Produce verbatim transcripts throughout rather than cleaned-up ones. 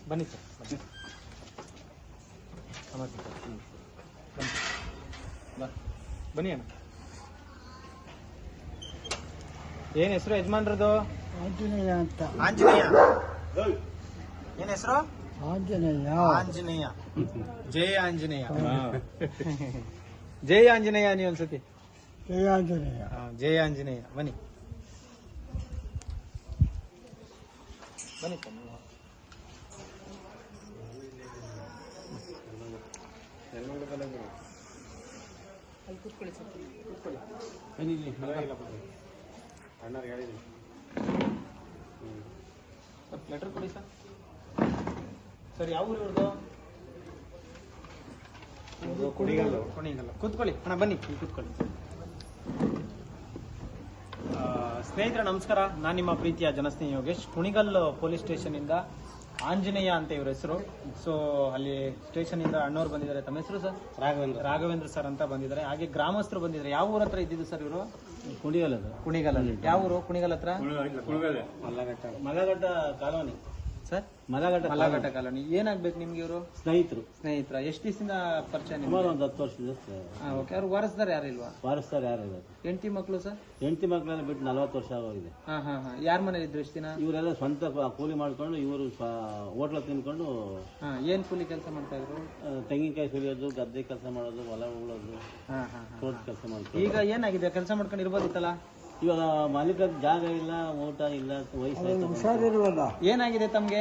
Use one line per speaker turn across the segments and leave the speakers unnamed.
ಬನ್ನಿ ಸರ್ ಬನ್ನಿ ಬನ್ನಿ ಅಣ್ಣ. ಏನ್ ಹೆಸರು ಯಜಮಾನ್ರದು?
ಆಂಜನೇಯ ಅಂತ.
ಆಂಜನೇಯ. ಏನ್ ಹೆಸರು?
ಆಂಜನೇಯ.
ಆಂಜನೇಯ. ಜಯ ಆಂಜನೇಯ. ಜಯ ಆಂಜನೇಯ ನೀವು ಒಂದ್ಸತಿ.
ಜಯ ಆಂಜನೇಯ.
ಜಯ ಆಂಜನೇಯ. ಬನ್ನಿ ಬನ್ನಿ ಸರ್. ಅಲ್ಲಿ ಕೂತ್ಕೊಳ್ಳಿ ಸರ್, ಕೂತ್ಕೊಳ್ಳಿ. ಅಣ್ಣವ್ರಿಗೆ ಹೇಳಿದ್ದೀನಿ. ಸ್ವಲ್ಪ ಲೆಟರ್ ಕೊಡಿ ಸರ್. ಸರ್ ಯಾವ ಊರು ಇವ್ರದ್ದು? ಕುಣಿಗಲ್ಲು. ಕುಣಿಗಲ್ಲು. ಕೂತ್ಕೊಳ್ಳಿ ಅಣ್ಣ, ಬನ್ನಿ ಕೂತ್ಕೊಳ್ಳಿ. ಸ್ನೇಹಿತರೆ ನಮಸ್ಕಾರ, ನಾನು ನಿಮ್ಮ ಪ್ರೀತಿಯ ಜನಸ್ನೇಹಿ ಯೋಗೇಶ್. ಕುಣಿಗಲ್ ಪೊಲೀಸ್ ಸ್ಟೇಷನ್ ಇಂದ ಆಂಜನೇಯ ಅಂತ ಇವ್ರ ಹೆಸರು. ಸೊ ಅಲ್ಲಿ ಸ್ಟೇಷನ್ ಇಂದ ಅಣ್ಣವ್ರು ಬಂದಿದ್ದಾರೆ. ತಮ್ಮ ಹೆಸರು ಸರ್? ರಾಘವೇಂದ್ರ. ರಾಘವೇಂದ್ರ ಸರ್ ಅಂತ ಬಂದಿದ್ದಾರೆ. ಹಾಗೆ ಗ್ರಾಮಸ್ಥರು ಬಂದಿದ್ದಾರೆ. ಯಾವ ಊರ ಹತ್ರ ಇದ್ದಿದ್ದು ಸರ್ ಇವರು? ಕುಣಿಗಲ್. ಕುಣಿಗಲ್. ಯಾವ ಊರು? ಕುಣಿಗಲ್ ಹತ್ರ Mallaghatta. Mallaghatta colony sir. Mallaghatta Mallaghatta colony. ಏನಾಗ್ಬೇಕು ನಿಮ್ಗೆ ಇವರು? ಸ್ನೇಹಿತರು. ಸ್ನೇಹಿತರ. ಎಷ್ಟು ದಿವಸದಿಂದ ಪರಿಚಯ? ಸುಮಾರು ಒಂದು ಹತ್ತು ವರ್ಷದಿಂದ. ಓಕೆ. ಅವ್ರು ವಾರಸ್ದಾರ ಯಾರು ಇಲ್ವಾ? ವಾರಸ್ದಾರ ಯಾರು ಇಲ್ಲ. ಹೆಂಡತಿ ಮಕ್ಕಳು ಸರ್? ಹೆಂಡತಿ ಮಕ್ಕಳೆಲ್ಲ ಬಿಟ್ಟು ನಲ್ವತ್ತು ವರ್ಷ ಆಗೋಗಿದೆ. ಹಾ ಹಾ ಹಾ. ಯಾರ ಮನೇಲಿ ಇದ್ರು ಇಷ್ಟು ದಿನ? ಇವರೆಲ್ಲ ಸ್ವಂತ ಕೂಲಿ ಮಾಡ್ಕೊಂಡು ಇವರು ಹೋಟ್ಲ ತಿನ್ಕೊಂಡು. ಹಾ. ಏನ್ ಕೂಲಿ ಕೆಲಸ ಮಾಡ್ತಾ ಇದ್ರು? ತೆಂಗಿನಕಾಯಿ ಸುಲಿಯೋದು, ಗದ್ದೆ ಕೆಲಸ ಮಾಡೋದು, ಹೊಲ ಉಳೋದು, ತೋಟ ಕೆಲಸ ಮಾಡ್ತಾರೆ. ಈಗ ಏನಾಗಿದೆ? ಕೆಲಸ ಮಾಡ್ಕೊಂಡು ಇರ್ಬೋದಿತ್ತಲ್ಲ. ಇವಾಗ ಮಾಲೀಕ ಜಾಗ ಇಲ್ಲ, ಊಟ ಇಲ್ಲ, ವಯಸ್ಸಾಯ್ತು, ಹುಷಾರಿರುವಲ್ಲ. ಏನಾಗಿದೆ ತಮ್ಗೆ?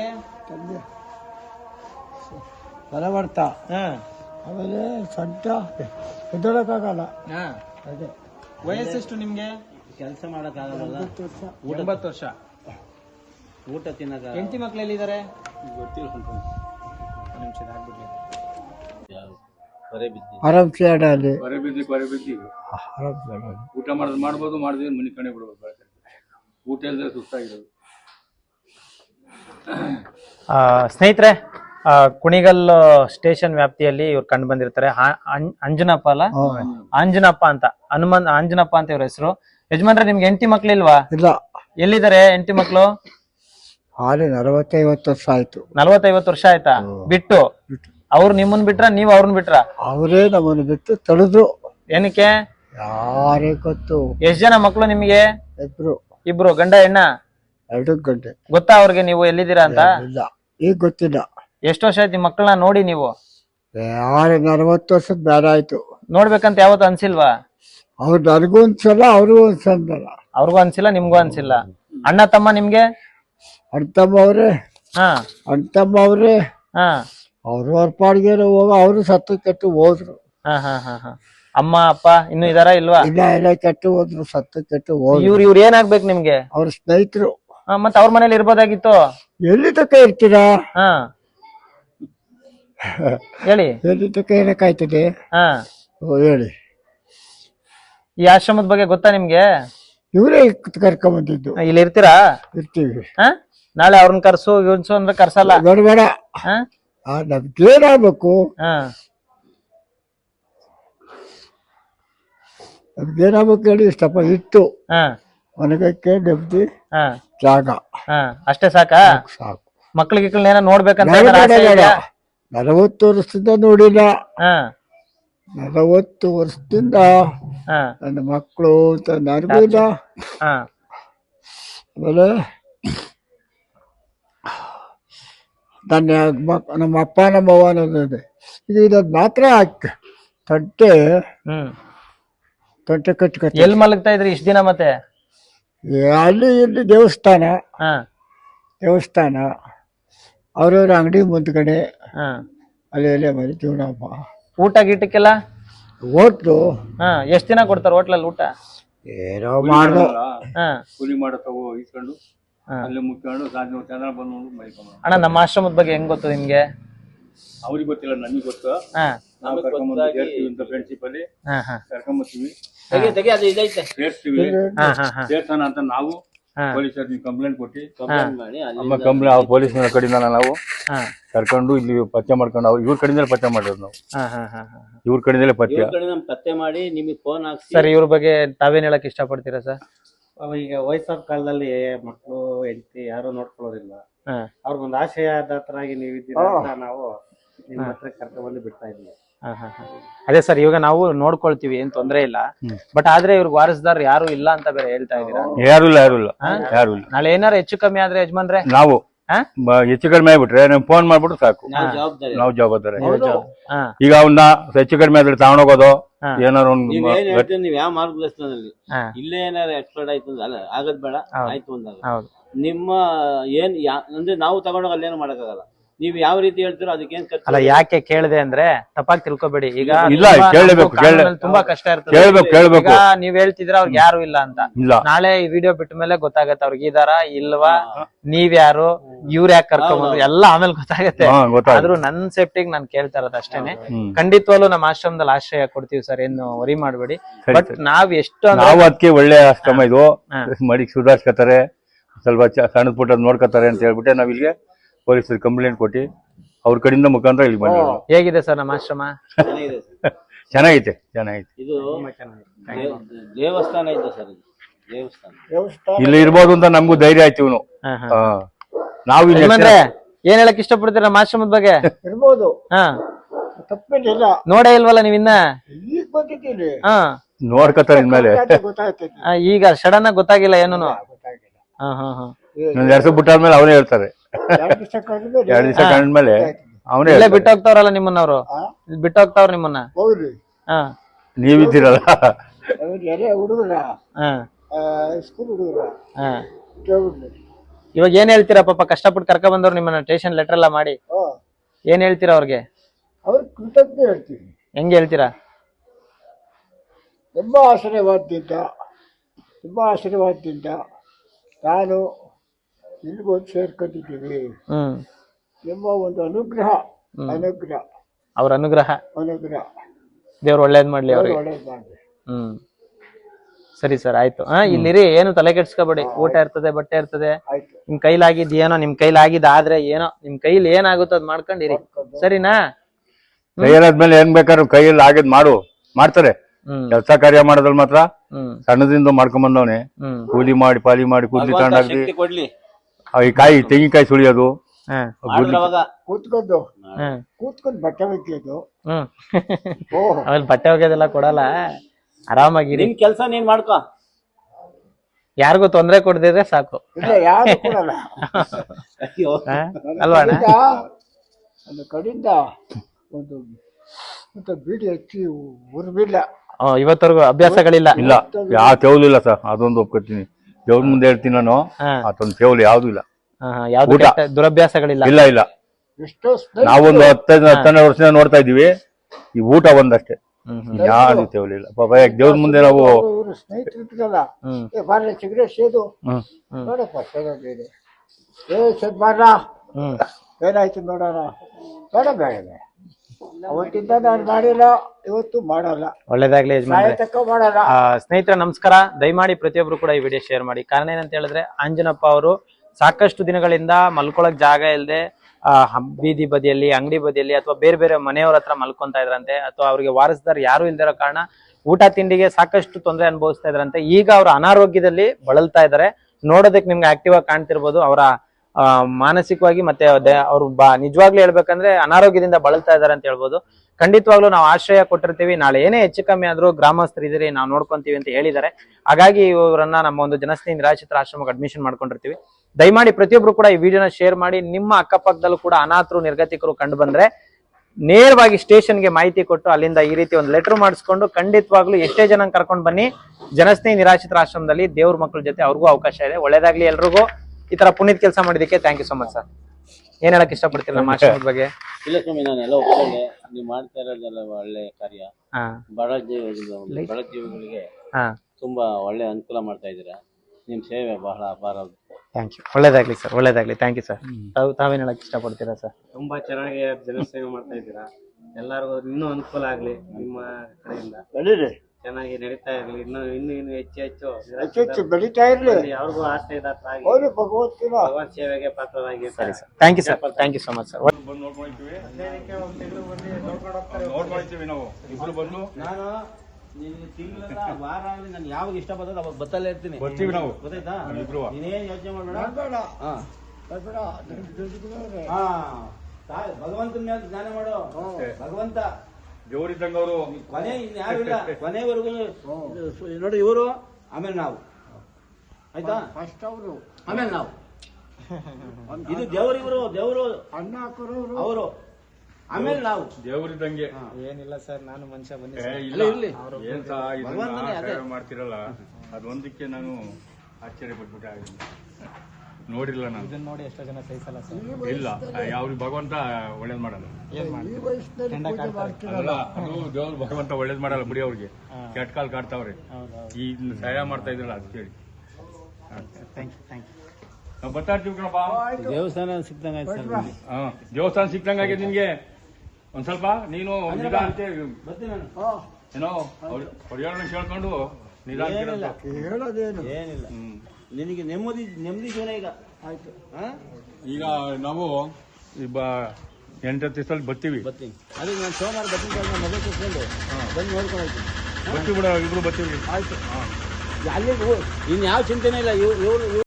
ಹೊಲ ಮಾಡ್ತಾ. ಆಮೇಲೆ ಸೊಂಟ ಎದ್ದೋಳಕ್ಕಾಗಲ್ಲ.
ಅದೇ. ವಯಸ್ಸೆಷ್ಟು ನಿಮ್ಗೆ? ಕೆಲಸ ಮಾಡಕ್ಕಾಗಲ್ಲ. ಒಂಬತ್ತು ವರ್ಷ. ಊಟ ತಿನ್ನಕ. ಹೆಂಡತಿ ಮಕ್ಳು ಎಲ್ಲಿದ್ದಾರೆ? ಗೊತ್ತಿಲ್ಲ. ನಿಮಿಷ ಆಗ್ಬಿಡ್ಲಿ.
ಆರಾಮ್ ಅಲ್ಲಿ
ಹೊರೆ ಬಿದ್ದಿ ಹೊರೆ ಬಿದ್ದಿ ಊಟ ಮಾಡೋದು ಮಾಡ್ಬೋದು, ಮಾಡಿದ್ರೆ ಮನೆ ಕಣೆ ಬಿಡ್ಬೋದು. ಊಟ ಇಲ್ಲದೆ ಸುಸ್ತಾಗಿರೋದು.
ಸ್ನೇಹಿತರೆ, ಕುಣಿಗಲ್ ಸ್ಟೇಷನ್ ವ್ಯಾಪ್ತಿಯಲ್ಲಿ ಇವ್ರು ಕಂಡು ಬಂದಿರ್ತಾರೆ. ಅಂಜನಪ್ಪ ಅಲ್ಲ, ಆಂಜನಪ್ಪ ಅಂತ, ಹನುಮನ್ ಆಂಜನಪ್ಪ ಅಂತ ಇವ್ರ ಹೆಸರು. ಯಜಮಾನ್ರೆ, ನಿಮ್ಗೆ ಹೆಂಡತಿ ಮಕ್ಳಿಲ್ವಾ?
ಇಲ್ಲ.
ಎಲ್ಲಿದ್ದಾರೆ ಹೆಂಡತಿ ಮಕ್ಳು?
ಹಾಲಿ ನಲವತ್ತೈವತ್ತು ವರ್ಷ ಆಯ್ತು.
ನಲವತ್ತೈವತ್ತು ವರ್ಷ ಆಯ್ತಾ ಬಿಟ್ಟು? ಅವ್ರು ನಿಮ್ಮನ್ ಬಿಟ್ರ, ನೀವ್ ಅವ್ರನ್ನ ಬಿಟ್ರ?
ಅವರೇ ನಮ್ಮನ್ನು ಬಿಟ್ಟು ತಡೆದ್ರು.
ಏನಕ್ಕೆ?
ಯಾರೇ ಗೊತ್ತು.
ಎಷ್ಟ್ ಜನ ಮಕ್ಳು ನಿಮ್ಗೆ?
ಇಬ್ರು.
ಇಬ್ರು. ಗಂಡ ಹೆಣ್ಣ?
ಎರಡು ಗಂಟೆ.
ಗೊತ್ತಾ ಅವ್ರಿಗೆ ನೀವು ಎಲ್ಲಿದ್ದೀರಾ ಅಂತ?
ಇಲ್ಲ, ಈಗ ಗೊತ್ತಿಲ್ಲ.
ಎಷ್ಟು ವರ್ಷ ಆಯ್ತು ನಿಮ್ ಮಕ್ಕಳನ್ನ ನೋಡಿ ನೀವು?
ಯಾರು ನಲವತ್ತು ವರ್ಷದ ಬೇಡ ಆಯ್ತು.
ನೋಡ್ಬೇಕಂತ ಯಾವತ್ತು ಅನ್ಸಿಲ್ವಾ?
ಅವ್ರು ನನಗೂ ಅನ್ಸಲ್ಲ, ಅವ್ರಿಗೂ ಅನ್ಸಲ್ಲ.
ಅವ್ರಿಗೂ ಅನ್ಸಿಲ್ಲ, ನಿಮ್ಗೂ ಅನ್ಸಿಲ್ಲ. ಅಣ್ಣ ತಮ್ಮ ನಿಮ್ಗೆ?
ಅಣ್ತಮ್ಮ ಅವ್ರೆ.
ಹಾ.
ಅಣ್ತಮ್ಮ ಅವ್ರೆ.
ಹಾ.
ಅವ್ರು ಅವ್ರ ಪಾಡ್ಗೆ ಹೋಗ ಅವ್ರು ಸತ್ತು ಕೆಟ್ಟು ಹೋದ್ರು.
ಹಾ ಹಾ ಹಾ ಹಾ. ಅಮ್ಮ ಅಪ್ಪ ಇನ್ನು ಇದಾರ ಇಲ್ವಾ?
ಇಲ್ಲ, ಎಲ್ಲ ಕೆಟ್ಟು ಹೋದ್ರು, ಸತ್ತು ಕೆಟ್ಟು ಹೋದ್ರು.
ಇವ್ರು ಇವ್ರು ಏನಾಗ್ಬೇಕು ನಿಮ್ಗೆ?
ಅವ್ರ ಸ್ನೇಹಿತರು.
ಮತ್ತ ಅವ್ರ ಮನೇಲಿ ಇರ್ಬೋದಾಗಿತ್ತು.
ಎಲ್ಲಿ ತಕ ಇರ್ತೀರಾ?
ಹಾ ಹೇಳಿ.
ಎಲ್ಲಿ ತಕ ಏನಕ್ಕಾಯ್ತದೆ?
ಹಾ
ಹೇಳಿ.
ಈ ಆಶ್ರಮದ ಬಗ್ಗೆ ಗೊತ್ತಾ ನಿಮ್ಗೆ?
ಇವರೇ ಕರ್ಕೊಂಡ್ ಬಂದಿದ್ದು.
ಇಲ್ಲಿ ಇರ್ತೀರಾ?
ಇರ್ತೀವಿ.
ಹಾ. ನಾಳೆ ಅವ್ರನ್ನ ಕರ್ಸು ಇವ್ನ್ಸು ಅಂದ್ರೆ ಕರ್ಸಲ್ಲ.
ಬೇಡ ಬೇಡ.
ಹಾ.
ನಮ್ಗೇನಾಗ್ಬೇಕು?
ಹಾ.
ನಮ್ಗೇನಾಗ್ಬೇಕು ಹೇಳಿ? ಇಷ್ಟಪ್ಪ ಇಟ್ಟು
ಹಾ.
ಮನೆಗಕ್ಕೆ ನೆಮ್ಮದಿ,
ಹಾ,
ಜಾಗ.
ಹಾ, ಅಷ್ಟೇ ಸಾಕಾ?
ಸಾಕು.
ಮಕ್ಳಿಗೆ ಏನೋ ನೋಡ್ಬೇಕಂತ
ನಲವತ್ತು ವರ್ಷದಿಂದ ನೋಡಿಲ್ಲ.
ಹಾ.
ನಲವತ್ತು ವರ್ಷದಿಂದ
ಹಾ.
ನನ್ನ ಮಕ್ಕಳು ಅಂತ ನನಗೂ ಇಲ್ಲ.
ಹಾ.
ಆಮೇಲೆ ನನ್ನ ನಮ್ಮ ಅಪ್ಪ ನಮ್ಮ ಅವ್ವ ಅನ್ನೋದಿದೆ. ಈಗ ಇದದ್ ಮಾತ್ರ ತಂಟೆ
ಹ್ಮ್
ತಂಟೆ ಕಟ್ಕೊತ.
ಎಲ್ಲಿ ಮಲಗ್ತಾ ಇದ್ರಿ ಇಷ್ಟ ದಿನ? ಮತ್ತೆ
ಅಲ್ಲಿ ಇಲ್ಲಿ ದೇವಸ್ಥಾನ.
ಹಾ.
ದೇವಸ್ಥಾನ, ಅವ್ರವ್ರ ಅಂಗಡಿ ಮುಂದ್ಗಡೆ.
ಹಾ.
ಅಲ್ಲಿ ಅಲ್ಲೇ ಮನೆ ಜೀವನಪ್ಪ.
ಊಟ ಗೀಟಕ್ಕೆಲ್ಲ
ಹೋಟ್ಲು.
ಹಾ. ಎಷ್ಟ್ ದಿನ ಕೊಡ್ತಾರ ಹೋಟ್ಲಲ್ಲಿ ಊಟ?
ಏನೋ ಮಾಡೋ.
ಹಾ.
ಕೂಲಿ ಮಾಡೋ ತಗೋ ಇಸ್ಕೊಂಡು ಅಲ್ಲಿ ಮುಚ್ಕೊಂಡು ಸಾಧ್ಯ ಚಂದ್ರ ಬಂದು ಮೈಕೊಂಡು.
ಅಣ್ಣ, ನಮ್ಮ ಆಶ್ರಮದ ಬಗ್ಗೆ ಹೆಂಗ್ ಗೊತ್ತು ನಿಮ್ಗೆ?
ಅವ್ರಿಗೆ ಗೊತ್ತಿಲ್ಲ, ನಮಗೆ ಗೊತ್ತು.
ಹಾ.
ನಾವು ಕರ್ಕೊಂಡ್ಬಂದು ಸೇರ್ತೀವಿ ಅಂತ ಫ್ರೆಂಡ್ಶಿಪ್ ಅಲ್ಲಿ.
ಹಾ ಹಾ.
ಕರ್ಕೊಂಡ್ಬರ್ತೀವಿ,
ಸೇರ್ತೀವಿ.
ಸೇರ್ತೀವಿ. ಸೇರ್ಸೋಣ ಅಂತ ನಾವು ಪೊಲೀಸರ್ ಕಂಪ್ಲೇಂಟ್ ಕೊಟ್ಟು ನಮ್ಮ ಕಂಪ್ಲೇಂಟ್ ಅವ್ರ ಪೊಲೀಸ್ ಕಡೆಯಿಂದ ನಾವು ಕರ್ಕೊಂಡು ಇಲ್ಲಿ ಪತ್ತೆ ಮಾಡ್ಕೊಂಡು ಅವ್ರು ಇವ್ರ ಕಡೆಯಿಂದಲೇ ಪತ್ತೆ ಮಾಡಿರೋದು ನಾವು. ಇವ್ರ ಕಡೆಯಿಂದಲೇ ಪತ್ತೆ
ಪತ್ತೆ ಮಾಡಿ ನಿಮಗೆ ಫೋನ್ ಹಾಕಿ.
ಸರ್, ಇವ್ರ ಬಗ್ಗೆ ತಾವೇನ್ ಹೇಳಕ್ ಇಷ್ಟಪಡ್ತೀರಾ ಸರ್?
ಈಗ ವಯಸ್ಸಾದ ಕಾಲದಲ್ಲಿ ಮಕ್ಕಳು ಹೆಂಡತಿ ಯಾರು ನೋಡ್ಕೊಳ್ಳೋದಿಲ್ಲ.
ಹಾ
ಅವ್ರಿಗೊಂದು ಆಶಯದಾತರಾಗಿ ನೀವು ಇದ್ದೀರಾ ಅಂತ ನಾವು ನಿಮ್ಮ ಹತ್ರ ಕರ್ಕೊಂಡ್ ಬಂದು ಬಿಡ್ತಾ ಇದ್ದೀವಿ.
ಹಾ, ಹಾ, ಹಾ. ಅದೇ ಸರ್, ಇವಾಗ ನಾವು ನೋಡ್ಕೊಳ್ತೀವಿ, ಏನ್ ತೊಂದ್ರೆ ಇಲ್ಲ. ಬಟ್ ಆದ್ರೆ ಇವ್ರಿಗೆ ವಾರಸ್ದಾರ್ ಯಾರು ಇಲ್ಲ ಅಂತ ಬೇರೆ ಹೇಳ್ತಾ ಇದೀರಾ.
ಯಾರು ಇಲ್ಲ ಯಾರು ಇಲ್ಲ ಯಾರು ಇಲ್ಲ.
ನಾಳೆ ಏನಾರ ಹೆಚ್ಚು ಕಮ್ಮಿ ಆದ್ರೆ ಯಜಮಾನ್ರೆ
ನಾವು
ಹಾ?
ಬ- ಹೆಚ್ಚು ಕಡಿಮೆ ಆಗ್ಬಿಟ್ರೆ ನೀವು ಫೋನ್ ಮಾಡ್ಬಿಟ್ಟು ಸಾಕು,
ಜವಾಬ್ದಾರಿ
ನಾವು ಜವಾಬ್ದಾರಿ.
ಹಾ
ಈಗ ಅವನ್ನ ಹೆಚ್ಚು ಕಡಿಮೆ ಆದ್ರೆ ತಗೊಂಡೋಗೋದು
ಹಾ.
ಏನಾರು ಒಂದು
ನೀವ್ ಏನ್ ಹೇಳ್ತೀರಿ, ನೀವ್ ಯಾವ ಮಾರ್ಗದರ್ಶನದಲ್ಲಿ
ಹಾ
ಇಲ್ಲೇ ಏನಾರ ಎಕ್ಸ್ಪರ್ಟ್ ಆಯ್ತು ಅಂದ್ರೆ ಅಲ್ಲ ಆಗದ್ ಬೇಡ
ಹೌದು.
ಆಯ್ತು ಅಂದಾಗ
ಹೌದು.
ನಿಮ್ಮ ಏನ್ ಯಾ- ಅಂದ್ರೆ ನಾವು ತಗೊಂಡೋಗ ಅಲ್ಲೇನು ಮಾಡಕ್ಕಾಗಲ್ಲ. ನೀವ್ ಯಾವ ರೀತಿ ಹೇಳ್ತೀರೋ ಅದಕ್ಕೇನ್ ಖರ್ಚು
ಅಲ್ಲ, ಯಾಕೆ ಕೇಳಿದೆ ಅಂದ್ರೆ ತಪ್ಪಾಗಿ ತಿಳ್ಕೊಬೇಡಿ. ಈಗ
ಇಲ್ಲ,
ತುಂಬಾ
ಕೇಳ್ಬೇಕು,
ನಮ್ಗೂ ಕಾನೂನಲ್ಲಿ ತುಂಬಾ ಕಷ್ಟ ಇರ್ತದೆ.
ಕೇಳ್ಬೇಕು ಕೇಳ್ಬೇಕು
ಈಗ ನೀವ್ ಹೇಳ್ತಿದ್ರ ಅವ್ರಿಗೆ ಯಾರು ಇಲ್ಲ ಅಂತ.
ಇಲ್ಲ
ನಾಳೆ ಈ ವಿಡಿಯೋ ಬಿಟ್ಟ ಮೇಲೆ ಗೊತ್ತಾಗತ್ತೆ ಅವ್ರಿಗೆ ಇದಾರ ಇಲ್ವಾ, ನೀವ್ ಯಾರು, ಇವ್ರ ಯಾಕೆ ಕರ್ಕೊಂಡ್ಬಂದ್ರು ಎಲ್ಲ ಆಮೇಲೆ ಗೊತ್ತಾಗತ್ತೆ.
ಹಾ ಗೊತ್ತಾಯ್ತು.
ಆದ್ರೂ ನನ್ ಸೇಫ್ಟಿಗೆ ನಾನ್ ಕೇಳ್ತಾ ಇರೋದು ಅಷ್ಟೇನೆ.
ಹ್ಮ್.
ಖಂಡಿತವಾಗ್ಲೂ ನಮ್ಮ ಆಶ್ರಮದಲ್ಲಿ ಆಶ್ರಯ ಕೊಡ್ತೀವಿ ಸರ್, ಏನು ವರಿ ಮಾಡ್ಬೇಡಿ.
ಸರಿ,
ಬಟ್ ನಾವ್ ಎಷ್ಟು ಅಂದ್ರೆ
ನಾವು ಅದಕ್ಕೆ ಒಳ್ಳೆ ಆಶ್ರಮ ಇದು,
ಹಾ.
ಮಡಿಗೆ ಸುಧಾರಿಸ್ಕೊತಾರೆ, ಸ್ವಲ್ಪ ಚ- ಸಣ್ಣ ಪುಟ್ಟದ್ ನೋಡ್ಕೊತಾರೆ ಅಂತ ಹೇಳ್ಬಿಟ್ಟೆ ನಾವ್ ಇಲ್ಲಿಗೆ ಪೊಲೀಸರಿಗೆ ಕಂಪ್ಲೇಂಟ್ ಕೊಟ್ಟು ಅವ್ರ ಕಡೆಯಿಂದ ಮುಖಾಂತರ ಇಲ್ಲಿ ಬಂದಿರೋದು.
ಹೇಗಿದೆ ಸರ್ ನಮ್ಮ ಆಶ್ರಮ?
ಚೆನ್ನಾಗಿದೆ ಸರ್.
ಚೆನ್ನಾಗೈತೆ ಚೆನ್ನಾಗೈತೆ.
ಇದು ದೇವ- ದೇವಸ್ಥಾನ ಇದೆ ಸರ್, ಇದು ದೇವಸ್ಥಾನ.
ದೇವಸ್ಥಾನ
ಇಲ್ಲಿ ಇರ್ಬೋದು ಅಂತ ನಮಗೂ ಧೈರ್ಯ ಆಯ್ತು ಇವನು.
ಹಾ, ಹಾ.
ನಾವು ಇಲ್ಲಿ
ಯಜಮಾನ್ರೆ, ಏನ್ ಹೇಳಕ್ ಇಷ್ಟಪಡ್ತೀರಾ ನಮ್ಮ ಆಶ್ರಮದ ಬಗ್ಗೆ?
ಇರ್ಬೋದು,
ಹಾ
ತಪ್ಪೇನಿಲ್ಲ.
ನೋಡೇ ಇಲ್ವಲ್ಲ ನೀವಿನ್ನ?
ಈಗ ಬಂದಿದ್ದೀನಿ,
ಹಾ
ನೋಡ್ಕೊತಾರೆ ಇನ್ಮೇಲೆ.
ಗೊತ್ತಾಗ್ತೈತಿ.
ಆ, ಈಗ ಸಡನ್ ಆಗಿ ಗೊತ್ತಾಗಿಲ್ಲ ಏನೂನು.
ಗೊತ್ತಾಗಿಲ್ಲ.
ಹಾ ಹಾ ಹಾ
ಒಂದ್ ಎರಡು ದಿವಸ ಬಿಟ್ಟಾದ್ಮೇಲೆ ಅವನೇ ಹೇಳ್ತಾರೆ.
ಎರಡು ದಿವಸ ಕಳೆದ್ಮೇಲೆ
ಎರಡು ದಿವಸ ಕಂಡ್ಮೇಲೆ ಅವನೇ
ಇಲ್ಲೇ
ಹೇಳ್ತಾರೆ.
ಬಿಟ್ಟು ಹೋಗ್ತಾವ್ರಲ್ಲ ನಿಮ್ಮನ್ನ ಅವರು, ಇಲ್ಲಿ ಬಿಟ್ಟು ಹೋಗ್ತಾವ್ರ ನಿಮ್ಮನ್ನ.
ಹೌದು,
ಹಾ
ನೀವಿದ್ದೀರಲ್ಲ.
ಅವ್ರು ಎಲೆ ಹುಡುಗರ,
ಹಾ
ಸ್ಕೂಲ್ ಹುಡುಗರ
ಹಾ
ಕೇಳ್ಬಿಡ್ಲಿ.
ಇವಾಗ ಏನ್ ಹೇಳ್ತೀರಾ ಪಾಪ, ಕಷ್ಟಪಟ್ಟು ಕರ್ಕ ಬಂದವ್ರು ನಿಮ್ಮನ್ನ ಸ್ಟೇಷನ್ ಲೆಟರ್ ಎಲ್ಲ ಮಾಡಿ,
ಹಾ,
ಏನ್ ಹೇಳ್ತೀರಾ ಅವ್ರಿಗೆ?
ಅವ್ರ ಕೃತಜ್ಞ ಹೇಳ್ತೀನಿ.
ಹೆಂಗ್ ಹೇಳ್ತೀರಾ?
ತುಂಬ ಆಶೀರ್ವಾದದಿಂದ ತುಂಬ ಆಶೀರ್ವಾದದಿಂದ ನಾನು ಇಲ್ಲಿಗೊಂದು ಸೇರ್ಕೊಂಡಿದ್ದೀವಿ.
ಹ್ಮ್
ನಿಮ್ಮ ಒಂದು ಅನುಗ್ರಹ ಅನುಗ್ರಹ
ಅವ್ರ ಅನುಗ್ರಹ,
ಅನುಗ್ರಹ
ದೇವ್ರು ಒಳ್ಳೇದ್ ಮಾಡ್ಲಿ ಅವ್ರಿಗೆ.
ಒಳ್ಳೇದು ಮಾಡಿ.
ಹ್ಮ್ ಸರಿ ಸರ್, ಆಯ್ತು. ಹಾ ಇಲ್ಲಿರಿ, ಏನು ತಲೆ ಕೆಡ್ಸ್ಕೊಬೇಡಿ. ಊಟ ಇರ್ತದೆ, ಬಟ್ಟೆ ಇರ್ತದೆ.
ಆಯ್ತು,
ನಿಮ್ ಕೈಲಾಗಿದ್ ಏನೋ, ನಿಮ್ ಕೈಲಾಗಿದ್ ಆದ್ರೆ ಏನೋ, ನಿಮ್ ಕೈಲಿ ಏನಾಗುತ್ತೋ ಅದ್ ಮಾಡ್ಕೊಂಡಿರಿ, ಸರಿನಾ?
ಕೈಯಲ್ಲಾದ್ಮೇಲೆ ಏನ್ ಬೇಕಾದ್ರು ಕೈಯಲ್ಲಿ ಆಗಿದ್ ಮಾಡು ಮಾಡ್ತಾರೆ.
ಹ್ಮ್
ಕೆಲಸ ಕಾರ್ಯ ಮಾಡೋದ್ರಲ್ಲಿ ಮಾತ್ರ
ಹ್ಮ್
ಸಣ್ಣದಿಂದ ಮಾಡ್ಕೊಂಡ್ ಬಂದವನೆ.
ಹ್ಮ್
ಕೂಲಿ ಮಾಡಿ ಪಾಲಿ ಮಾಡಿ ಕೂಲಿ
ಭಗವಂತ
ತಗೊಂಡಾಗ್ದಿ
ಶಕ್ತಿ ಕೊಡ್ಲಿ.
ಈ ಕಾಯಿ ತೆಂಗಿನಕಾಯಿ ಸುಳಿಯೋದು,
ಹಾ
ಮಾಡಿದ್ರೆ ಅವಾಗ
ಕೂತ್ಕೊಂಡು
ಹ್ಮ್
ಕೂತ್ಕೊಂಡು ಬಟ್ಟೆ ಒಗ್ಯೋದು.
ಹ್ಮ್
ಓಹ್,
ಆಮೇಲೆ ಬಟ್ಟೆ ಒಗೆದೆಲ್ಲ ಕೊಡಲ್ಲ, ಆರಾಮಾಗಿರಿ.
ನಿನ್ ಕೆಲ್ಸ ನೀನ್ ಮಾಡ್ಕೊ.
ಯಾರಿಗೂ ತೊಂದ್ರೆ ಕೊಡ್ದಿದ್ರೆ ಸಾಕು.
ಇಲ್ಲ ಯಾರು ಕೊಡಲ್ಲ.
ಅಯ್ಯೋ
ಹಾ? ಅಲ್ವಾ ಅಣ್ಣ?
ಕಡೆಯಿಂದ, ಒಂದು ಕಡೆಯಿಂದ ಒಂದು ಒಂದು ಬೀಡಿ ಹಚ್ಚಿ ಉರ್ಬಿಲ್ಲ.
ಓ, ಇವತ್ತವರೆಗೂ ಅಭ್ಯಾಸಗಳಿಲ್ಲ.
ಇಲ್ಲ ಯಾವ ತೆವಲು ಇಲ್ಲ ಸರ್, ಅದೊಂದು ಒಪ್ಕೊತೀನಿ. ದೇವ್ರ ಮುಂದೆ ಹೇಳ್ತೀನಿ ನಾನು,
ಹಾ
ಅದೊಂದು ತೆವಲು ಯಾವ್ದು ಇಲ್ಲ.
ಹಾ, ಹಾ, ಯಾವ್ದು
ಊಟ.
ಕೆಟ್ಟ ದುರಭ್ಯಾಸಗಳಿಲ್ಲ.
ಇಲ್ಲ ಇಲ್ಲ
ಎಷ್ಟೋ ಸ್ನೇಹಿತರು-
ನಾವೊಂದು ಹತ್ತೈದು ಹತ್ತನೇ ವರ್ಷದಿಂದ ನೋಡ್ತಾ ಇದೀವಿ, ಈ ಊಟ ಒಂದಷ್ಟೇ,
ಹ್ಮ್ ಹ್ಮ್
ಯಾವ್ದು ತೆವಲು ಇಲ್ಲ. ಪಾಪ ಯಾಕೆ ದೇವ್ರ ಮುಂದೆ ನಾವು
ಇವ್ರು ಸ್ನೇಹಿತರು ಇರ್ತಾರಲ್ಲ,
ಹ್ಮ್
ಏ ಬಾರ್ಲ ಸಿಗರೇಟ್ ಸೇದು
ಹ್ಮ್
ನೋಡಪ್ಪ ಸೇದೋದಿದೆ, ಏ ಸದ್ ಬಾರ
ಹ್ಮ್
ಏನಾಯ್ತು ನೋಡೋಣ, ಬೇಡ ಬೇಡ ಅವತ್ತಿಂದ ನಾನು ಮಾಡಿಲ್ಲ, ಇವತ್ತು ಮಾಡಲ್ಲ,
ಒಳ್ಳೇದಾಗ್ಲಿ ಯಜಮಾನ್ರೆ.
ತಕ್ಕ ಮಾಡಲ್ಲ.
ಆ, ಸ್ನೇಹಿತರೆ ನಮಸ್ಕಾರ. ದಯಮಾಡಿ ಪ್ರತಿಯೊಬ್ರು ಕೂಡ ಈ ವಿಡಿಯೋ ಶೇರ್ ಮಾಡಿ. ಕಾರಣ ಏನಂತ ಹೇಳಿದ್ರೆ, ಅಂಜನಪ್ಪ ಅವರು ಸಾಕಷ್ಟು ದಿನಗಳಿಂದ ಮಲ್ಕೊಳಕ್ ಜಾಗ ಇಲ್ಲದೆ ಬೀದಿ ಬದಿಯಲ್ಲಿ, ಅಂಗಡಿ ಬದಿಯಲ್ಲಿ ಅಥವಾ ಬೇರೆ ಬೇರೆ ಮನೆಯವ್ರ ಹತ್ರ ಮಲ್ಕೊಂತಾ ಇದ್ರಂತೆ, ಅಥವಾ ಅವ್ರಿಗೆ ವಾರಸ್ದಾರ್ ಯಾರು ಇಲ್ದಿರೋ ಕಾರಣ ಊಟ ತಿಂಡಿಗೆ ಸಾಕಷ್ಟು ತೊಂದರೆ ಅನುಭವಿಸ್ತಾ ಇದ್ರಂತೆ. ಈಗ ಅವ್ರ ಅನಾರೋಗ್ಯದಲ್ಲಿ ಬಳಲ್ತಾ ಇದ್ದಾರೆ. ನೋಡೋದಕ್ಕೆ ನಿಮ್ಗೆ ಆಕ್ಟಿವ್ ಆಗಿ ಕಾಣ್ತಿರ್ಬೋದು. ಅವರ ಆ ಮಾನಸಿಕವಾಗಿ ಮತ್ತೆ ಅವ್ರು ಬಾ ನಿಜವಾಗ್ಲೂ ಹೇಳ್ಬೇಕಂದ್ರೆ ಅನಾರೋಗ್ಯದಿಂದ ಬಳಲ್ತಾ ಇದಾರೆ ಅಂತ ಹೇಳ್ಬೋದು. ಖಂಡಿತವಾಗ್ಲೂ ನಾವು ಆಶ್ರಯ ಕೊಟ್ಟಿರ್ತೀವಿ. ನಾಳೆ ಏನೇ ಹೆಚ್ಚು ಕಮ್ಮಿ ಆದ್ರೂ ಗ್ರಾಮಸ್ಥರು ಇದ್ರಿ, ನಾವು ನೋಡ್ಕೊಂತೀವಿ ಅಂತ ಹೇಳಿದ್ದಾರೆ. ಹಾಗಾಗಿ ಇವರನ್ನ ನಮ್ಮ ಒಂದು ಜನಸ್ನೇಹಿ ನಿರಾಶ್ರಿತರ ಆಶ್ರಮಕ್ಕೆ ಅಡ್ಮಿಷನ್ ಮಾಡ್ಕೊಂಡಿರ್ತೀವಿ. ದಯಮಾಡಿ ಪ್ರತಿಯೊಬ್ರು ಕೂಡ ಈ ವಿಡಿಯೋನ ಶೇರ್ ಮಾಡಿ. ನಿಮ್ಮ ಅಕ್ಕಪಕ್ಕದಲ್ಲೂ ಕೂಡ ಅನಾಥರು, ನಿರ್ಗತಿಕರು ಕಂಡು ಬಂದ್ರೆ ನೇರವಾಗಿ ಸ್ಟೇಷನ್ಗೆ ಮಾಹಿತಿ ಕೊಟ್ಟು ಅಲ್ಲಿಂದ ಈ ರೀತಿ ಒಂದು ಲೆಟರ್ ಮಾಡಿಸ್ಕೊಂಡು ಖಂಡಿತವಾಗ್ಲೂ ಎಷ್ಟೇ ಜನ ಕರ್ಕೊಂಡು ಬನ್ನಿ. ಜನಸ್ನೇಹಿ ನಿರಾಶ್ರಿತರ ಆಶ್ರಮದಲ್ಲಿ ದೇವ್ರ ಮಕ್ಕಳ ಜೊತೆ ಅವ್ರಿಗೂ ಅವಕಾಶ ಇದೆ. ಒಳ್ಳೇದಾಗ್ಲಿ ಎಲ್ರಿಗೂ. ಈ ತರ ಪುನೀತ್ ಕೆಲಸ ಮಾಡಿದಕ್ಕೆ thank you so much sir. ಏನ್ ಹೇಳಕ್ ಇಷ್ಟಪಡ್ತೀರಾ ನಮ್ಮ ಆಶ್ರಮದ ಬಗ್ಗೆ?
ಇಲ್ಲ ಸ್ವಾಮಿ, ನಾನೆಲ್ಲ ಒಪ್ಕೊಂಡೆ. ನೀವು ಮಾಡ್ತಾ ಇರೋದೆಲ್ಲ ಒಳ್ಳೆ ಕಾರ್ಯ.
ಹಾ
ಬಡ ಜೀವ ಬಡ ಜೀವಿಗಳಿಗೆ
ಹಾ
ತುಂಬಾ ಒಳ್ಳೆ ಅನುಕೂಲ ಮಾಡ್ತಾ ಇದ್ದೀರಾ. ನಿಮ್ ಸೇವೆ ಬಹಳ ಅಪಾರ.
Thank you. ಒಳ್ಳೇದಾಗ್ಲಿ ಸರ್, ಒಳ್ಳೇದಾಗ್ಲಿ. Thank you sir. ತಾವು ತಾವೇನ್ ಹೇಳಕ್ ಇಷ್ಟಪಡ್ತೀರಾ ಸರ್?
ತುಂಬಾ ಚೆನ್ನಾಗಿ ಜನಸೇವೆ ಮಾಡ್ತಾ ಇದ್ದೀರಾ. ಎಲ್ಲರಿಗೂ ಇನ್ನೂ ಅನುಕೂಲ ಆಗ್ಲಿ ನಿಮ್ಮ ಕಡೆಯಿಂದ.
ಬೆಳೀರಿ,
ಚೆನ್ನಾಗಿ ನಡೀತಾ ಇರ್ಲಿ. ಇನ್ನು ಇನ್ನು ಇನ್ನು ಹೆಚ್ಚು ಹೆಚ್ಚು
ಹೆಚ್ಚು ಹೆಚ್ಚು ಬೆಳೀತಾ ಇರ್ಲಿ.
ಅವ್ರಿಗೂ ಆಶ್ರಯದಾತರಾಗಿ
ಅವರು ಭಗವಂತನ
ಭಗವಾನ್ ಸೇವೆಗೆ ಪಾತ್ರರಾಗಿ.
ಸರಿ sir, thank you sir, thank you so much sir.
ನಾನು ನಿನ್ನ ತಿಂಗಳ ವಾರ ಆಗಲಿ ನಾನು ಯಾವಾಗ ಇಷ್ಟ ಬರ್ತದೆ ಅವಾಗ ಬತ್ತಲ್ಲೇ ಇರ್ತೀನಿ.
ಬರ್ತೀವಿ ನಾವು.
ಗೊತ್ತಾಯ್ತಾ?
ಇಬ್ರು.
ನೀನೇನ್ ಯೋಚನೆ ಮಾಡ್ಬೇಡ. ಹಾ ಹಾ ತಾ- ಭಗವಂತನ ಮೇಲೆ ಧ್ಯಾನ ಮಾಡೋ ಭಗವಂತ
ದೇವರಿದ್ದಂಗ ಅವರು
ಕೊನೆ ಇನ್ಯಾರು ಇಲ್ಲ ಕೊನೆವರೆಗೂ ನೋಡಿ ಇವರು ಆಮೇಲೆ ನಾವು ಆಯ್ತಾ
ಫಸ್ಟ್ ಅವರು
ಆಮೇಲೆ ನಾವು ಇದು ದೇವರು ಇವರು ದೇವರು
ಅಣ್ಣ ಹಾಕೋರು
ಅವರು ಆಮೇಲೆ ನಾವು
ದೇವರಿದ್ದಂಗೆ
ಏನಿಲ್ಲ ಸರ್ ನಾನು ಮನುಷ್ಯ ಬನ್ನಿ
ಏ,
ಸರ್.
ಇಲ್ಲ
ಇರ್ಲಿ.
ಏನ್ ಸಹ ಇದನ್ನ
ಭಗವಂತನೇ ಅದೇ.
ಸೇವೆ ಮಾಡ್ತಿರಲ್ಲ ಅದೊಂದಕ್ಕೆ ನಾನು ಆಶ್ಚರ್ಯ ಪಟ್ಬಿಟ್ಟೆ ಆಗಿದ್ದೀನಿ. ನೋಡಿಲ್ಲ ನಾನು
ಇದನ್ನ ನೋಡಿ ಎಷ್ಟೋ ಜನ ಸಹಿಸಲ್ಲ ಸರ್.
ಇಲ್ಲ ಅವ್ರಿಗೆ ಭಗವಂತ ಒಳ್ಳೇದ್ ಮಾಡಲ್ಲ
ಏನ್
ಈ
ಮಾಡ್ತೀವಿ?
ವಯಸ್ಸಿನಲ್ಲಿ
ಕೆಂಡ
ಪೂಜೆ
ಕಾಡ್ತಾರೆ.
ಮಾಡ್ತಿರಲ್ಲ
ಅಲ್ಲ ಅದು ದೇವ್ರು ಭಗವಂತ ಒಳ್ಳೇದ್ ಮಾಡಲ್ಲ ಬಿಡಿ ಅವ್ರಿಗೆ ಕೆಟ್ಟ ಕಾಲ್ ಕಾಡ್ತಾವ್ರೆ
ಹೌದೌದು.
ಈ ಸಹಾಯ ಮಾಡ್ತಾ ಇದ್ರಲ್ಲ ಅದು ಕೇಳಿ
ಥ್ಯಾಂಕ್ ಯು ಥ್ಯಾಂಕ್ ಯು.
ನಾವು ಬರ್ತಾ ಇರ್ತೀವಿ ಕಣಪ್ಪ.
ದೇವಸ್ಥಾನ ಸಿಕ್ತಂಗ
ಹಾ ದೇವಸ್ಥಾನ ಸಿಕ್ತಂಗ ಆಗಿದೆ ನಿನ್ಗೆ ಒಂದ್ ಸ್ವಲ್ಪ ನೀನು ನಿಧಾನಕ್ಕೆ
ಬರ್ತೀನಿ ನಾನು
ಹಾ,
ಏನೋ ಹೊಡೆಯೋಣ ಕೇಳ್ಕೊಂಡು ನಿಧಾನ
ಏನಿಲ್ಲ
ಹೇಳೋದೇನು
ಏನಿಲ್ಲ
ಹ್ಮ್
ನಿನಗೆ ನೆಮ್ಮದಿ ನೆಮ್ಮದಿ ಜೀವನ ಈಗ
ಆಯ್ತು
ಹಾ
ಈಗ ನಾವು ಈ ಬ ಎಂಟತ್ತು ದಿವಸದಲ್ಲಿ ಬರ್ತೀವಿ
ಬರ್ತೀನಿ ಅದಕ್ಕೆ ನಾನು ಸೋಮವಾರ ಬರ್ತೀನಿ ಸರ್, ನಾನು ಮೊಬೈಲ್ ಕೊಟ್ಕೊಂಡು ಬಂದು ನೋಡ್ಕೊಂಡು ಹೋಗ್ತೀನಿ
ಬರ್ತೀವಿ ಬಿಡ ಇಬ್ರು ಬರ್ತೀವಿ
ಆಯ್ತು ಅಲ್ಲಿಗೆ ಇನ್ನು ಯಾವ ಚಿಂತೆನೇ ಇಲ್ಲ ಇವ್ರು ಇವ್ರು